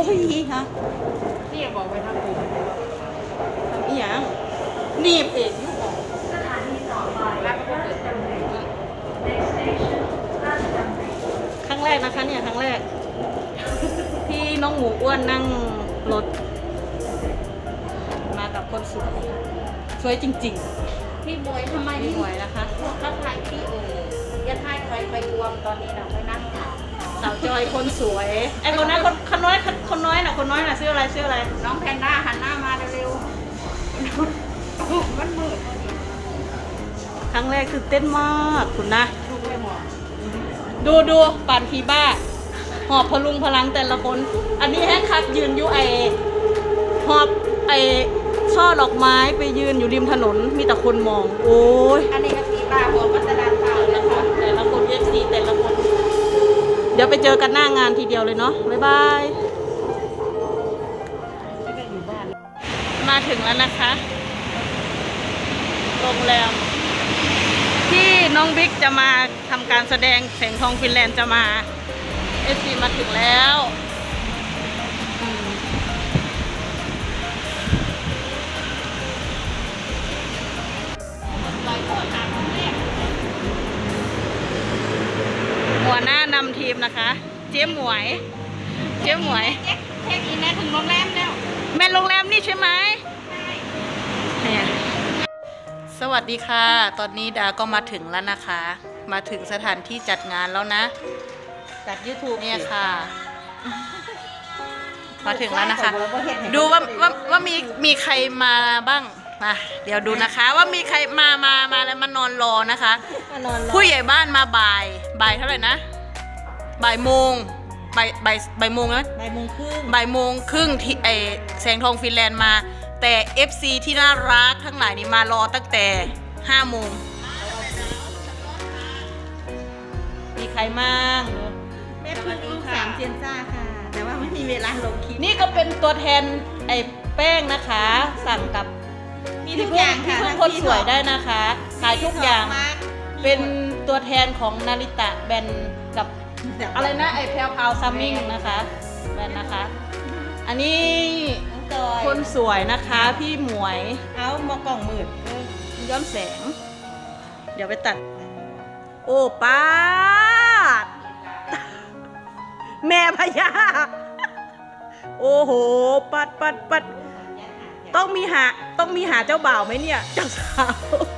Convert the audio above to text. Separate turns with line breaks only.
ยฮะ
นี่บอกไปทางอื่น
ทำอีหยังหนีบเองอยู่บ่
สถานีต่อไป
แล้วก็
รา
เปิ
ช
ด
ดำเนิน Next station ราชดำเนิน
ครั้งแรกนะคะเนี่ยครั้งแรก ที่น้องหมูอ้วนนั่งรถ มากับคนสวยสวยจริง
พี่บวยทำไม
ๆพี่หวยนะคะ
เขาถ่ายพี่อย่าถ่ายใครไปรวมตอนนี้เราไปนั่ง
สาวจอยคนสวยไอ้คนนั้นคนน้อยคนน้อยน่ะชื่ออะไรชื่ออะไร
น้องแพนด้าหันหน้ามาเร็วๆมันมืด
ครั้งแรกตื่นเต้นมากคุณนะ
ทุกเลยหมด
ดูปั่นพีบ้า หอบพลุงพลังแต่ละคน อันนี้แฮกคักยืนอยู่หอบช่อดอกไม้ไปยืนอยู่ริมถนนมีแต่คนมอง โอ้ย
อันนี้ก็สีบ้าบอกว่าจะดันเปล่านะคะ
แต่ละคนFCแต่ละคน เดี๋ยวไปเจอกันหน้างานทีเดียวเลยเนาะบ๊ายบาย
ไม่ได้อยู่บ้าน
มาถึงแล้วนะคะ โรงแรมที่น้องบิ๊กจะมาทำการแสดงแสงทองฟินแลนด์จะมา FC มาถึงแล้วหัวหน้านำทีมนะคะ เจ๊หมวย
เช็คอินแล้วถึงโรงแรมแล้ว
แม่โรงแรมนี่ใช่ไหมเนี่ยสวัสดีค่ะ ตอนนี้ดาก็มาถึงแล้วนะคะ มาถึงสถานที่จัดงานแล้วนะ
จัด YouTube
เนี่ยค่ะ มาถึงแล้วนะคะ
ดู
ดูว่ามีใครมาบ้างมาเดี๋ยวดูนะคะ ว่ามีใครมาแล้วมานอนรอนะคะ
นอนรอ
ผู้ใหญ่บ้านมาบ่ายเท่าไหร่นะบ่ายโมงบ่ายโมงนะ
บ่ายโมงครึ่ง
บ่ายโมงครึ่งที่แสงทองฟินแลนด์มา แต่ FC ที่น่ารักทั้งหลายนี่มารอตั้งแต่5โมงมีใครมั่ง
แม่พึ่งลูกสามเจียนซ่าค่ะ แต่ว่าไม่มีเวลาลงคลิป
นี่ก็เป็นตัวแทนแป้งนะคะ สั่งกับ
มีทุกอย่างค่ะ
พี่พึ่งคนสวยได้นะคะขายทุกอย่าง
มาก
เป็นตัวแทนของนาริตะแบรนด์กับอะไรนะแพลวพาวซัมมิงนะคะแบรนด์นะคะ อันนี้
น้องจอย
คนสวยนะคะพี่หมวย
เอามากล่องมืด
ย้อนแสง เดี๋ยวไปตัด โอ้ป้าด แม่พญาโอ้โหปัดต้องมีหาเจ้าบ่าวไหมเนี่ย เจ้าสาว